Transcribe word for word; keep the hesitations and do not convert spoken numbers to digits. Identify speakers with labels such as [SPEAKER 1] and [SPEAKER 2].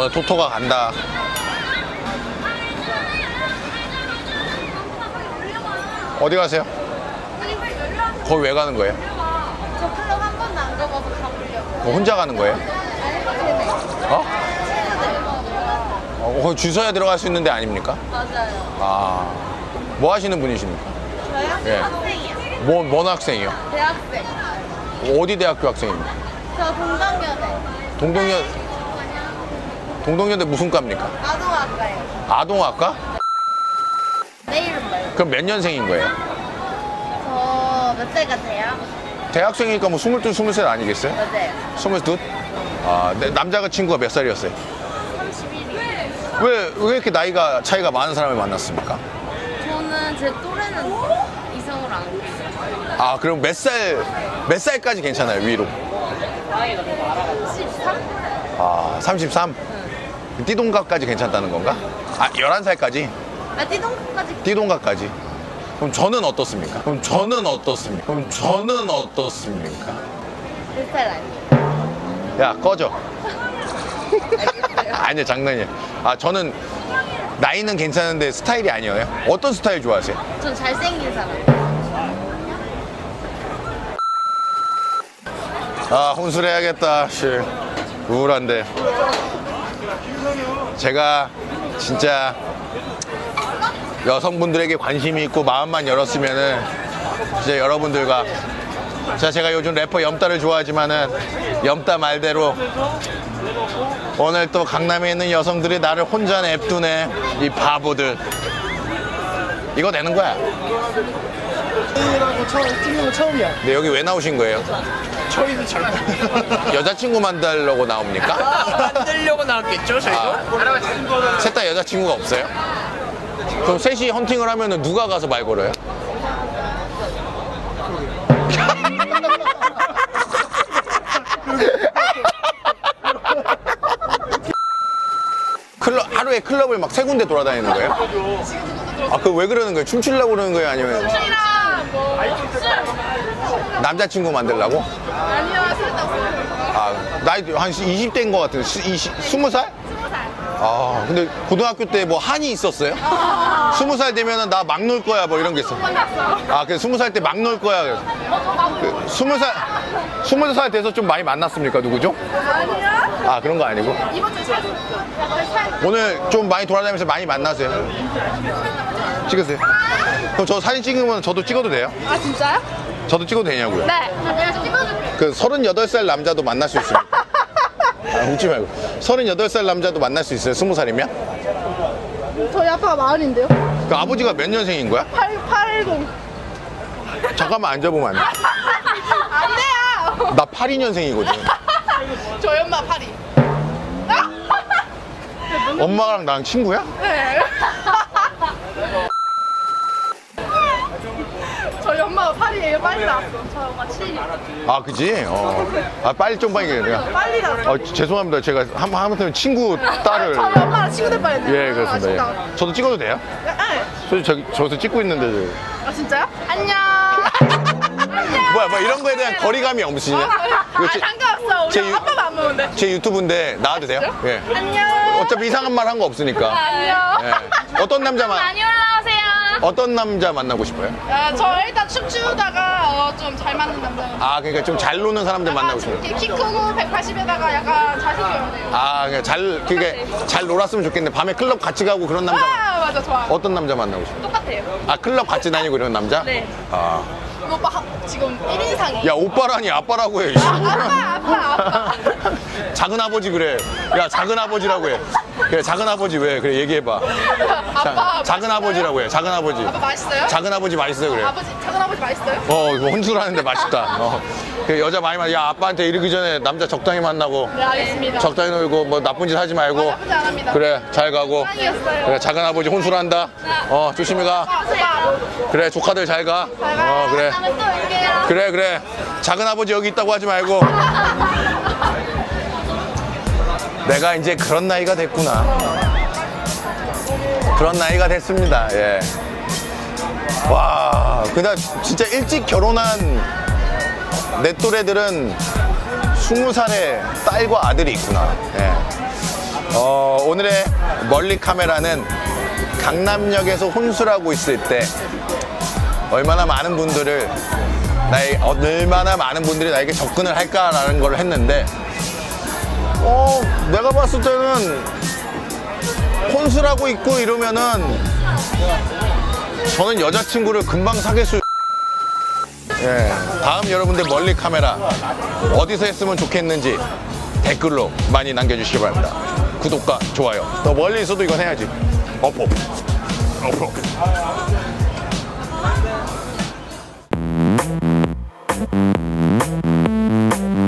[SPEAKER 1] 오늘 토토가 간다. 어디 가세요? 거기 왜 가는 거예요?
[SPEAKER 2] 저 클럽 한 번도 안 가봐서 가보려고.
[SPEAKER 1] 뭐 혼자 가는 거예요? 어? 어, 거기 줄 서야 들어갈 수 있는 데 아닙니까?
[SPEAKER 2] 맞아요.
[SPEAKER 1] 아, 뭐 하시는 분이십니까?
[SPEAKER 2] 저요?
[SPEAKER 1] 예.
[SPEAKER 2] 학생이요.
[SPEAKER 1] 뭐, 뭔 학생이요?
[SPEAKER 2] 대학생.
[SPEAKER 1] 어디 대학교 학생입니까?
[SPEAKER 2] 저 동덕여대.
[SPEAKER 1] 동동여, 동동여대 무슨 과입니까?
[SPEAKER 2] 아동학과요.
[SPEAKER 1] 아동학과?
[SPEAKER 2] 내일은 뭐예요?
[SPEAKER 1] 그럼 몇 년생인 거예요?
[SPEAKER 2] 저 몇 살 같아요?
[SPEAKER 1] 대학생이니까 뭐 스물둘, 스물셋 아니겠어요?
[SPEAKER 2] 맞아요.
[SPEAKER 1] 스물둘? 아, 내 남자가 친구가 몇 살이었어요?
[SPEAKER 2] 삼십일이요.
[SPEAKER 1] 왜, 왜 이렇게 나이가 차이가 많은 사람을 만났습니까?
[SPEAKER 2] 저는 제 또래는 이성으로 안 보여요.
[SPEAKER 1] 아, 그럼 몇 살, 몇 살까지 괜찮아요, 위로?
[SPEAKER 2] 십삼?
[SPEAKER 1] 아, 삼십삼? 띠동갑까지 괜찮다는 건가? 아, 열한 살까지?
[SPEAKER 2] 아, 띠동까지
[SPEAKER 1] 띠동갑까지? 그럼 저는 어떻습니까? 그럼 저는 어떻습니까? 그럼 저는 어떻습니까?
[SPEAKER 2] 제 스타일 아니에요.
[SPEAKER 1] 야, 꺼져.
[SPEAKER 2] 알겠어요.
[SPEAKER 1] 아니야, 장난이야. 아, 저는 나이는 괜찮은데 스타일이 아니에요. 어떤 스타일 좋아하세요?
[SPEAKER 2] 전 잘생긴 사람.
[SPEAKER 1] 아, 혼술해야겠다. 씨, 우울한데. 제가 진짜 여성분들에게 관심이 있고 마음만 열었으면은 진짜 여러분들과 자, 제가 요즘 래퍼 염따를 좋아하지만은 염따 말대로 오늘 또 강남에 있는 여성들이 나를 혼자 냅두네. 이 바보들. 이거 되는 거야.
[SPEAKER 3] 이라고 처음 찍는 거 처음이야.
[SPEAKER 1] 근데 여기 왜 나오신 거예요?
[SPEAKER 3] 저희도 잘
[SPEAKER 1] 여자친구 만들려고 나옵니까?
[SPEAKER 3] 만들려고 나왔겠죠, 저희도?
[SPEAKER 1] 아, 셋 다 여자친구가 없어요? 그럼 셋이 헌팅을 하면 누가 가서 말 걸어요? 클럽, 하루에 클럽을 막 세 군데 돌아다니는 거예요? 아, 그 왜 그러는 거예요? 춤추려고 그러는 거예요? 아니면 남자친구 만들려고?
[SPEAKER 2] 아니요, 술도
[SPEAKER 1] 아, 나이 한 이십 대인 것 같은데, 스무 살? 아, 근데 고등학교 때 뭐 한이 있었어요? 스무 살 되면은 나 막 놀 거야 뭐 이런 게 있어. 아, 그래서 스무 살 때 막 놀 거야. 그래서. 그 스무 살, 스무 살 돼서 좀 많이 만났습니까? 누구죠?
[SPEAKER 2] 아니요.
[SPEAKER 1] 아, 그런 거 아니고.
[SPEAKER 2] 이번 주에 살, 약간 살.
[SPEAKER 1] 오늘 좀 많이 돌아다니면서 많이 만나세요. 찍으세요. 그럼 저 사진 찍으면 저도 찍어도 돼요?
[SPEAKER 2] 아, 진짜요?
[SPEAKER 1] 저도 찍어도 되냐고요?
[SPEAKER 2] 네. 내가 찍어줄게.
[SPEAKER 1] 그 서른여덟 살 남자도 만날 수 있습니다. 아, 웃지 말고. 서른여덟 살 남자도 만날 수 있어요? 스무 살이면?
[SPEAKER 2] 저희 아빠가 마흔인데요?
[SPEAKER 1] 그 아버지가 몇 년생인 거야?
[SPEAKER 2] 팔, 팔십.
[SPEAKER 1] 잠깐만 앉아보면 안 돼?
[SPEAKER 2] 안 돼요!
[SPEAKER 1] 나 팔십이 년생이거든.
[SPEAKER 2] 저희 엄마 팔이.
[SPEAKER 1] 엄마랑 나랑 친구야?
[SPEAKER 2] 네. 저희 엄마가 팔이에요. 빨리 나왔어. 저희 엄마 칠이요.
[SPEAKER 1] 아, 그지? 어. 아, 빨리 좀 빨리 내가.
[SPEAKER 2] 빨리 나왔어.
[SPEAKER 1] 어, 죄송합니다. 제가 한, 하마터면 친구 딸을.
[SPEAKER 2] 저희 엄마랑 친구 될 뻔했네요.
[SPEAKER 1] 예, 그렇습니다.
[SPEAKER 2] 아,
[SPEAKER 1] 예. 저도 찍어도 돼요?
[SPEAKER 2] 진짜. 네.
[SPEAKER 1] 저, 저기, 저기서 찍고 있는데. 저.
[SPEAKER 2] 아, 진짜요? 안녕.
[SPEAKER 1] 뭐야, 뭐 이런 거에 대한 거리감이 없으시냐? 이거
[SPEAKER 2] 아,
[SPEAKER 1] 제,
[SPEAKER 2] 상관없어. 우리
[SPEAKER 1] 제 유-
[SPEAKER 2] 아빠가 안 먹는데.
[SPEAKER 1] 제 유튜브인데 나와도 돼요? 예.
[SPEAKER 2] 안녕.
[SPEAKER 1] 어차피 이상한 말 한 거 없으니까.
[SPEAKER 2] 안녕.
[SPEAKER 1] 예. 어떤 남자 만
[SPEAKER 2] 많이 올라오세요.
[SPEAKER 1] 어떤 남자 만나고 싶어요?
[SPEAKER 2] 아, 저 일단 춤추다가 어, 좀 잘 맞는 남자.
[SPEAKER 1] 아, 그러니까 좀 잘 노는 사람들 만나고 싶어요.
[SPEAKER 2] 이렇게 키 크고 백팔십에다가 약간 잘생겨요.
[SPEAKER 1] 아, 그러니까 잘, 그게 잘 놀았으면 좋겠는데 밤에 클럽 같이 가고 그런 남자. 만-
[SPEAKER 2] 아, 맞아, 좋아.
[SPEAKER 1] 어떤 남자 만나고 싶어요?
[SPEAKER 2] 똑같아요.
[SPEAKER 1] 아, 클럽 같이 다니고 이런 남자?
[SPEAKER 2] 네.
[SPEAKER 1] 아.
[SPEAKER 2] 이 오빠 하- 지금 일 인상이에요.
[SPEAKER 1] 야, 오빠라니 아빠라고 해.
[SPEAKER 2] 아빠, 아빠, 아빠.
[SPEAKER 1] 작은 아버지 그래. 야, 작은 아버지라고 해. 그래, 작은 아버지 왜? 그래, 얘기해봐. 자,
[SPEAKER 2] 아빠.
[SPEAKER 1] 작은 아버지라고 해. 작은 아버지.
[SPEAKER 2] 아빠 맛있어요?
[SPEAKER 1] 작은 아버지 맛있어요, 그래.
[SPEAKER 2] 아버지, 작은 아버지 맛있어요?
[SPEAKER 1] 어, 이거 혼술하는데 맛있다. 어. 그 여자 많이 만나. 야, 아빠한테 이르기 전에 남자 적당히 만나고,
[SPEAKER 2] 네, 알겠습니다.
[SPEAKER 1] 적당히 놀고, 뭐 나쁜 짓 하지 말고.
[SPEAKER 2] 아, 나쁘지 안 합니다.
[SPEAKER 1] 그래, 잘 가고.
[SPEAKER 2] 사랑이었어요.
[SPEAKER 1] 그래, 작은 아버지 혼술한다. 어, 조심히 가.
[SPEAKER 2] 아빠.
[SPEAKER 1] 그래, 조카들 잘 가.
[SPEAKER 2] 잘 가요.
[SPEAKER 1] 어, 그래.
[SPEAKER 2] 다음에 또 올게요.
[SPEAKER 1] 그래, 그래. 작은 아버지 여기 있다고 하지 말고. 내가 이제 그런 나이가 됐구나. 그런 나이가 됐습니다. 예. 와, 그냥 진짜 일찍 결혼한 내 또래들은 스무 살에 딸과 아들이 있구나. 예. 어, 오늘의 멀리 카메라는 강남역에서 혼술하고 있을 때 얼마나 많은 분들을 나의 얼마나 많은 분들이 나에게 접근을 할까라는 걸 했는데 어 내가 봤을 때는 혼술하고 있고 이러면은 저는 여자친구를 금방 사귈 수 예, 다음 여러분들 멀리 카메라 어디서 했으면 좋겠는지 댓글로 많이 남겨주시기 바랍니다. 구독과 좋아요. 또 멀리 있어도 이건 해야지. 어포 어포